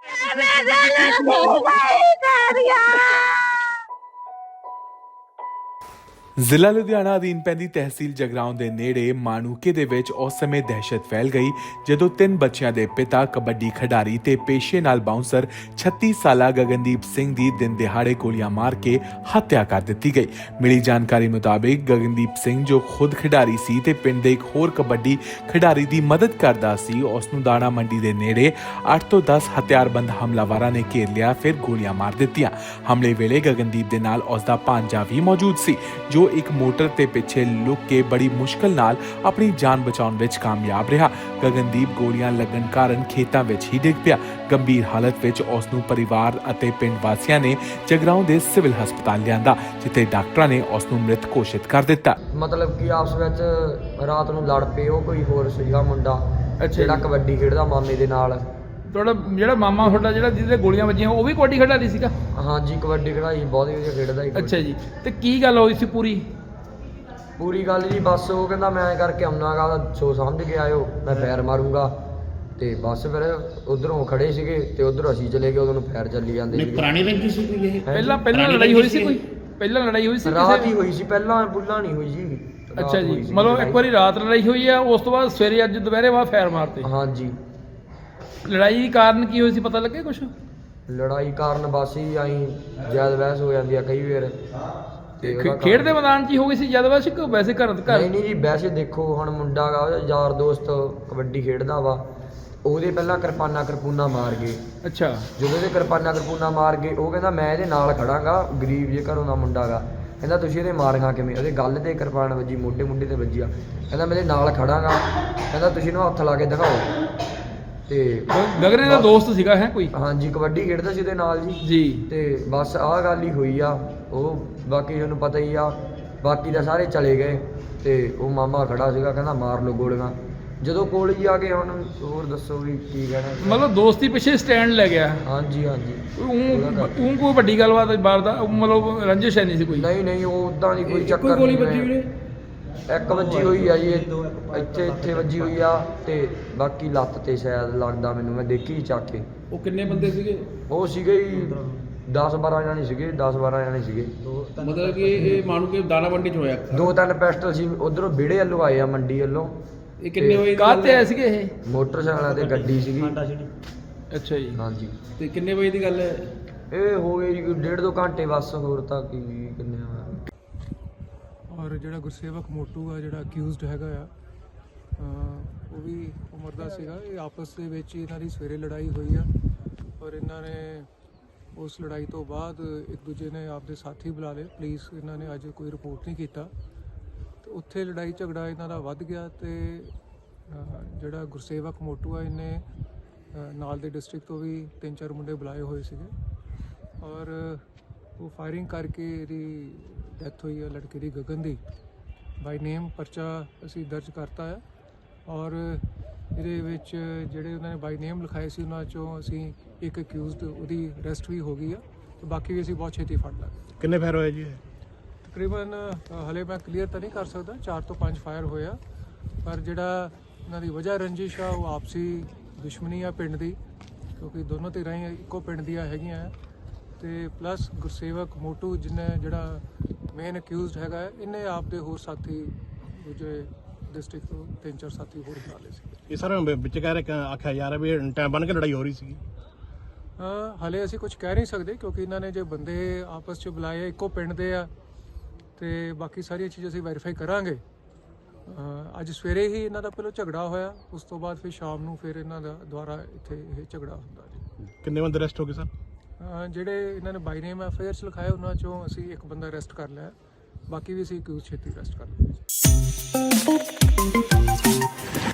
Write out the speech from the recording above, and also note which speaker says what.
Speaker 1: ਜ਼ਿਲ੍ਹਾ ਲੁਧਿਆਣਾ ਅਧੀਨ ਪੈਂਦੀ ਤਹਿਸੀਲ ਜਗਰਾਉਂ ਦੇ ਨੇੜੇ ਮਾਣੂਕੇ ਦੇ ਵਿੱਚ ਉਸ ਸਮੇਂ ਦਹਿਸ਼ਤ ਫੈਲ ਗਈ ਜਦੋਂ 3 ਬੱਚਿਆਂ ਦੇ ਪਿਤਾ ਕਬੱਡੀ ਖਿਡਾਰੀ ਤੇ ਪੇਸ਼ੇ ਨਾਲ ਬਾਉਂਸਰ 36 ਸਾਲਾ ਗਗਨਦੀਪ ਸਿੰਘ ਦੀ ਦਿਨ ਦਿਹਾੜੇ ਗੋਲੀਆਂ ਮਾਰ ਕੇ ਹੱਤਿਆ ਕਰ ਦਿੱਤੀ ਗਈ। ਮਿਲੀ ਜਾਣਕਾਰੀ ਮੁਤਾਬਿਕ ਗਗਨਦੀਪ ਸਿੰਘ ਜੋ ਖੁਦ ਖਿਡਾਰੀ ਸੀ ਤੇ ਪਿੰਡ ਦੇ ਇੱਕ ਹੋਰ ਕਬੱਡੀ ਖਿਡਾਰੀ ਦੀ ਮਦਦ ਕਰਦਾ ਸੀ, ਉਸ ਨੂੰ ਦਾਣਾ ਮੰਡੀ ਦੇ ਨੇੜੇ 8 ਤੋਂ 10 ਹਥਿਆਰਬੰਦ ਹਮਲਾਵਰਾਂ ਨੇ ਘੇਰ ਲਿਆ, ਫਿਰ ਗੋਲੀਆਂ ਮਾਰ ਦਿੱਤੀਆਂ। ਹਮਲੇ ਵੇਲੇ ਗਗਨਦੀਪ ਦੇ ਨਾਲ ਉਸ ਦਾ ਭਾਂਜਾ ਵੀ ਮੌਜੂਦ ਸੀ ਜੋ ਇੱਕ ਮੋਟਰ ਤੇ ਪਿੱਛੇ ਲੁਕ ਕੇ ਬੜੀ ਮੁਸ਼ਕਲ ਨਾਲ ਆਪਣੀ ਜਾਨ ਬਚਾਉਣ ਵਿੱਚ ਕਾਮਯਾਬ ਰਿਹਾ। ਗਗਨਦੀਪ ਗੋਲੀਆਂ ਲੱਗਣ ਕਾਰਨ ਖੇਤਾਂ ਵਿੱਚ ਹੀ ਡਿੱਗ ਪਿਆ। ਗੰਭੀਰ ਹਾਲਤ ਵਿੱਚ ਉਸ ਨੂੰ ਪਰਿਵਾਰ ਅਤੇ ਪਿੰਡ ਵਾਸੀਆਂ ਨੇ ਜਗਰਾਉਂ ਦੇ ਸਿਵਲ ਹਸਪਤਾਲ ਲਿਆਂਦਾ, ਜਿੱਥੇ ਡਾਕਟਰਾਂ ਨੇ ਉਸ ਨੂੰ ਮ੍ਰਿਤ ਘੋਸ਼ਿਤ ਕਰ ਦਿੱਤਾ।
Speaker 2: ਮਤਲਬ ਕਿ ਆਪਸ ਵਿੱਚ ਰਾਤ ਨੂੰ ਲੜ ਪਏ, ਉਹ ਕੋਈ ਹੋਰ ਸੀਗਾ ਮੁੰਡਾ ਜਿਹੜਾ ਕਬੱਡੀ ਖੇਡਦਾ ਮਾਮੇ ਦੇ ਨਾਲ।
Speaker 3: ਤੁਹਾਡਾ ਜਿਹੜਾ ਮਾਮਾ ਜਿਹੜਾ ਜਿਹਦੇ ਗੋਲੀਆਂ ਵੱਜੀਆਂ ਉਹ ਵੀ ਕਬੱਡੀ ਖਿਡਾਰੀ ਸੀਗਾ?
Speaker 2: ਹਾਂਜੀ, ਕਬੱਡੀ ਖਿਡਾਈ ਬਹੁਤ ਵਧੀਆ ਖੇਡਦਾ ਸੀ।
Speaker 3: ਅੱਛਾ ਜੀ, ਤੇ ਕੀ ਗੱਲ ਹੋਈ ਸੀ
Speaker 2: ਪੂਰੀ ਗੱਲ ਜੀ? ਬਸ ਉਹ ਕਹਿੰਦਾ ਮੈਂ ਐਂ ਕਰਕੇ ਆਉਣਾਗਾ, ਸੋਚ ਸਮਝ ਕੇ ਆਇਓ, ਮੈਂ ਫੈਰ ਮਾਰੂੰਗਾ। ਤੇ ਬਸ ਫਿਰ ਉਧਰੋਂ ਖੜੇ ਸੀਗੇ ਤੇ ਉਧਰ ਅਸੀਂ ਚਲੇ ਗਏ, ਉਦੋਂ ਨੂੰ ਫੈਰ ਚੱਲੀ ਜਾਂਦੇ ਸੀ।
Speaker 4: ਪੁਰਾਣੀ ਰੰਜਿਸ਼ ਸੀ ਕੋਈ? ਇਹ
Speaker 3: ਪਹਿਲਾਂ ਲੜਾਈ ਹੋਈ ਸੀ ਕੋਈ? ਪਹਿਲਾਂ ਲੜਾਈ ਹੋਈ ਸੀ?
Speaker 2: ਰਾਤ ਹੀ ਹੋਈ ਸੀ, ਪਹਿਲਾਂ ਬੁੱਲਾ ਨਹੀਂ ਹੋਈ ਜੀ।
Speaker 3: ਅੱਛਾ ਜੀ, ਮਤਲਬ ਇੱਕ ਵਾਰੀ ਰਾਤ ਲੜਾਈ ਹੋਈ ਆ, ਉਸ ਤੋਂ ਬਾਅਦ ਸਵੇਰੇ ਅੱਜ ਦੁਪਹਿਰੇ ਬਾਅਦ ਫੈਰ ਮਾਰਤੇ?
Speaker 2: ਹਾਂਜੀ।
Speaker 3: ਲੜਾਈ ਕਾਰਨ ਕੀ ਹੋਈ ਸੀ, ਪਤਾ ਲੱਗੇ ਕੁਛ?
Speaker 2: ਲੜਾਈ ਕਾਰਨ ਬਸ ਹੀ ਆਈ ਜ਼ਿਆਦਾ ਬਹਿਸ ਹੋ ਜਾਂਦੀ ਆ ਕਈ ਵਾਰ।
Speaker 3: ਖੇਡ ਦੇ ਮੈਦਾਨ 'ਚ ਹੀ ਹੋ ਗਈ ਸੀ ਜ਼ਿਆਦਾ ਬਹਿਸ ਕਿ ਵੈਸੇ ਘਰ?
Speaker 2: ਨਹੀਂ ਜੀ, ਵੈਸੇ ਦੇਖੋ ਹੁਣ ਮੁੰਡਾ ਗਾ ਉਹਦਾ ਯਾਰ ਦੋਸਤ ਕਬੱਡੀ ਖੇਡਦਾ ਵਾ, ਉਹਦੇ ਪਹਿਲਾਂ ਕਿਰਪਾਨਾ ਮਾਰ ਗਏ।
Speaker 3: ਅੱਛਾ।
Speaker 2: ਜਦੋਂ ਇਹਦੇ ਕਿਰਪਾਨਾ ਮਾਰ ਗਏ, ਉਹ ਕਹਿੰਦਾ ਮੈਂ ਇਹਦੇ ਨਾਲ ਖੜਾਂਗਾ, ਗਰੀਬ ਜੇ ਘਰੋਂ ਦਾ ਮੁੰਡਾ ਗਾ। ਕਹਿੰਦਾ ਤੁਸੀਂ ਇਹਦੇ ਮਾਰਗਾ ਕਿਵੇਂ? ਉਹਦੇ ਗੱਲ ਤੇ ਕਿਰਪਾਨ ਵੱਜੀ, ਮੋਢੇ ਤੇ ਵੱਜੀ ਆ। ਕਹਿੰਦਾ ਮੈਂ ਇਹਦੇ ਨਾਲ ਖੜਾਂਗਾ, ਕਹਿੰਦਾ ਤੁਸੀਂ ਇਹਨੂੰ ਹੱਥ ਲਾ ਕੇ ਦਿਖਾਓ। ਤੇ
Speaker 3: ਗਗਨੇ ਦਾ ਦੋਸਤ ਸੀਗਾ ਹੈ ਕੋਈ?
Speaker 2: ਹਾਂਜੀ, ਕਬੱਡੀ ਖੇਡਦਾ ਸੀ ਉਹਦੇ ਨਾਲ
Speaker 3: ਜੀ।
Speaker 2: ਤੇ ਬਸ ਆਹ ਗੱਲ ਹੀ ਹੋਈ ਆ। ਉਹ ਬਾਕੀ ਤੁਹਾਨੂੰ ਪਤਾ ਹੀ ਆ, ਬਾਕੀ ਤਾਂ ਸਾਰੇ ਚਲੇ ਗਏ ਤੇ ਉਹ ਮਾਮਾ ਖੜਾ ਸੀਗਾ, ਕਹਿੰਦਾ ਮਾਰ ਲਓ ਗੋਲੀਆਂ। ਜਦੋਂ ਕੋਲ ਹੀ ਆ ਗਏ, ਹੁਣ ਹੋਰ ਦੱਸੋ ਵੀ ਕੀ ਕਹਿਣਾ।
Speaker 3: ਮਤਲਬ ਦੋਸਤੀ ਪਿੱਛੇ ਸਟੈਂਡ ਲੈ ਗਿਆ?
Speaker 2: ਹਾਂਜੀ।
Speaker 3: ਉਹ ਕੋਈ ਵੱਡੀ ਗੱਲਬਾਤ ਬਾਹਰ ਦਾ ਮਤਲਬ ਰੰਜਿਸ਼ ਹੈ ਨਹੀਂ ਸੀ ਕੋਈ?
Speaker 2: ਨਹੀਂ, ਉਹ ਉਦਾਂ ਦੀ ਕੋਈ ਚੱਕਰ ਨਹੀਂ। ਇੱਕ ਵੱਜੀ ਹੋਈ ਆ ਜੀ, ਇੱਥੇ ਵੱਜੀ ਹੋਈ ਆ, ਤੇ ਬਾਕੀ ਲੱਤ ਤੇ ਸ਼ਾਇਦ ਲੱਗਦਾ ਮੈਨੂੰ, ਮੈਂ ਦੇਖੀ ਚੱਕ ਕੇ।
Speaker 3: ਉਹ ਕਿੰਨੇ ਬੰਦੇ ਸੀਗੇ?
Speaker 2: ਉਹ ਸੀਗੇ 10-12 ਜਾਣੇ ਸੀਗੇ।
Speaker 4: ਮਤਲਬ ਕਿ ਇਹ ਮਾਣੂ ਕੇ ਦਾਣਾ ਮੰਡੀ ਚ ਹੋਇਆ?
Speaker 2: 2-3 ਪਿਸਟਲ ਸੀ, ਉਧਰੋਂ ਵਿਹੜੇ ਵੱਲੋਂ ਆਏ ਆ, ਮੰਡੀ ਵੱਲੋਂ।
Speaker 4: ਇਹ ਕਿੰਨੇ ਵਜੇ
Speaker 3: ਕਾਹਤੇ ਆਏ ਸੀਗੇ ਇਹ?
Speaker 2: ਮੋਟਰਸਾਈਕਲਾਂ ਤੇ ਗੱਡੀ ਸੀਗੀ।
Speaker 3: ਅੱਛਾ ਜੀ।
Speaker 2: ਹਾਂਜੀ।
Speaker 4: ਤੇ ਕਿੰਨੇ ਵਜੇ ਦੀ ਗੱਲ ਹੈ
Speaker 2: ਇਹ? ਹੋ ਗਏ ਜੀ 1.5-2 ਘੰਟੇ ਬਸ, ਹੋਰ ਤਾਂ ਕੀ ਕਿੰਨੇ ਆ।
Speaker 5: ਔਰ ਜਿਹੜਾ ਗੁਰਸੇਵਕ ਮੋਟੂ ਆ, ਜਿਹੜਾ ਅਕਿਊਜ਼ਡ ਹੈਗਾ ਆ, ਉਹ ਵੀ ਉਮਰ ਦਾ ਸੀਗਾ। ਇਹ ਆਪਸ ਦੇ ਵਿੱਚ ਇਹਨਾਂ ਦੀ ਸਵੇਰੇ ਲੜਾਈ ਹੋਈ ਆ, ਔਰ ਇਹਨਾਂ ਨੇ ਉਸ ਲੜਾਈ ਤੋਂ ਬਾਅਦ ਇੱਕ ਦੂਜੇ ਨੇ ਆਪਦੇ ਸਾਥੀ ਬੁਲਾ ਲਏ। ਪੁਲਿਸ ਇਹਨਾਂ ਨੇ ਅੱਜ ਕੋਈ ਰਿਪੋਰਟ ਨਹੀਂ ਕੀਤਾ, ਤੇ ਉੱਥੇ ਲੜਾਈ ਝਗੜਾ ਇਹਨਾਂ ਦਾ ਵੱਧ ਗਿਆ। ਤੇ ਜਿਹੜਾ ਗੁਰਸੇਵਕ ਮੋਟੂ ਆ, ਇਹਨੇ ਨਾਲ ਦੇ ਡਿਸਟ੍ਰਿਕਟ ਤੋਂ ਵੀ 3-4 ਮੁੰਡੇ ਬੁਲਾਏ ਹੋਏ ਸੀਗੇ, ਔਰ ਉਹ ਫਾਇਰਿੰਗ ਕਰਕੇ ਇਹਦੀ ਡੈਥ ਹੋਈ ਹੈ, ਲੜਕੇ ਦੀ, ਗਗਨ ਦੀ। ਬਾਈ ਨੇਮ ਪਰਚਾ ਅਸੀਂ ਦਰਜ ਕਰਤਾ ਹੈ, ਔਰ ਇਹਦੇ ਵਿੱਚ ਜਿਹੜੇ ਉਹਨਾਂ ਨੇ ਬਾਈ ਨੇਮ ਲਿਖਾਏ ਸੀ, ਉਹਨਾਂ 'ਚੋਂ ਅਸੀਂ ਇੱਕ ਅਕਿਊਜ਼ਡ, ਉਹਦੀ ਅਰੈਸਟ ਵੀ ਹੋ ਗਈ ਆ, ਤੇ ਬਾਕੀ ਵੀ ਅਸੀਂ ਬਹੁਤ ਛੇਤੀ ਫੜ ਲਾਂਗੇ।
Speaker 4: ਕਿੰਨੇ ਫਾਇਰ ਹੋਏ ਜੀ?
Speaker 5: ਤਕਰੀਬਨ ਹਲੇ ਮੈਂ ਕਲੀਅਰ ਤਾਂ ਨਹੀਂ ਕਰ ਸਕਦਾ, 4 ਤੋਂ 5 ਫਾਇਰ ਹੋਏ ਆ, ਪਰ ਜਿਹੜਾ ਇਹਨਾਂ ਦੀ ਵਜ੍ਹਾ ਰੰਜਿਸ਼ ਆ, ਉਹ ਆਪਸੀ ਦੁਸ਼ਮਣੀ ਆ ਪਿੰਡ ਦੀ, ਕਿਉਂਕਿ ਦੋਨੋਂ ਧਿਰਾਂ ਹੀ ਇੱਕੋ ਪਿੰਡ ਦੀਆਂ ਹੈਗੀਆਂ। ਤੇ ਪਲੱਸ ਗੁਰਸੇਵਕ ਮੋਟੂ ਜਿਹੜਾ ਮੇਨ ਅਕਿਊਜ਼ਡ ਹੈਗਾ, ਇਹਨੇ ਆਪਦੇ ਹੋਰ ਸਾਥੀ ਦੂਜੇ ਡਿਸਟ੍ਰਿਕਟ ਤੋਂ 3-4 ਸਾਥੀ ਹੋਰ ਬੁਲਾ ਲਏ ਸੀ।
Speaker 4: ਇਹ ਸਰ ਵਿੱਚ ਕਹਿ ਰਹੇ ਆਖਿਆ ਜਾ ਰਿਹਾ ਵੀ ਟਾਈਮ ਬਣ ਕੇ ਲੜਾਈ ਹੋ ਰਹੀ ਸੀ।
Speaker 5: ਹਲੇ ਅਸੀਂ ਕੁਝ ਕਹਿ ਨਹੀਂ ਸਕਦੇ, ਕਿਉਂਕਿ ਇਹਨਾਂ ਨੇ ਜੇ ਬੰਦੇ ਆਪਸ 'ਚ ਬੁਲਾਏ ਇੱਕੋ ਪਿੰਡ ਦੇ ਆ, ਤੇ ਬਾਕੀ ਸਾਰੀਆਂ ਚੀਜ਼ਾਂ ਅਸੀਂ ਵੈਰੀਫਾਈ ਕਰਾਂਗੇ। ਅੱਜ ਸਵੇਰੇ ਹੀ ਇਹਨਾਂ ਦਾ ਪਹਿਲਾਂ ਝਗੜਾ ਹੋਇਆ, ਉਸ ਤੋਂ ਬਾਅਦ ਫਿਰ ਸ਼ਾਮ ਨੂੰ ਫਿਰ ਇਹਨਾਂ ਦਾ ਦੁਬਾਰਾ ਇੱਥੇ ਇਹ ਝਗੜਾ ਹੁੰਦਾ ਜੀ। ਕਿੰਨੇ ਬੰਦੇ ਅਰੈਸਟ ਹੋ ਗਏ ਸਰ? ਜਿਹੜੇ ਇਹਨਾਂ ਨੇ ਬਾਈ ਨੇਮ ਐਫਆਈਆਰਸ ਲਿਖਾਏ, ਉਹਨਾਂ 'ਚੋਂ ਅਸੀਂ ਇੱਕ ਬੰਦਾ ਅਰੈਸਟ ਕਰ ਲਿਆ, ਬਾਕੀ ਵੀ ਅਸੀਂ ਛੇਤੀ ਅਰੈਸਟ ਕਰ ਲਵਾਂਗੇ।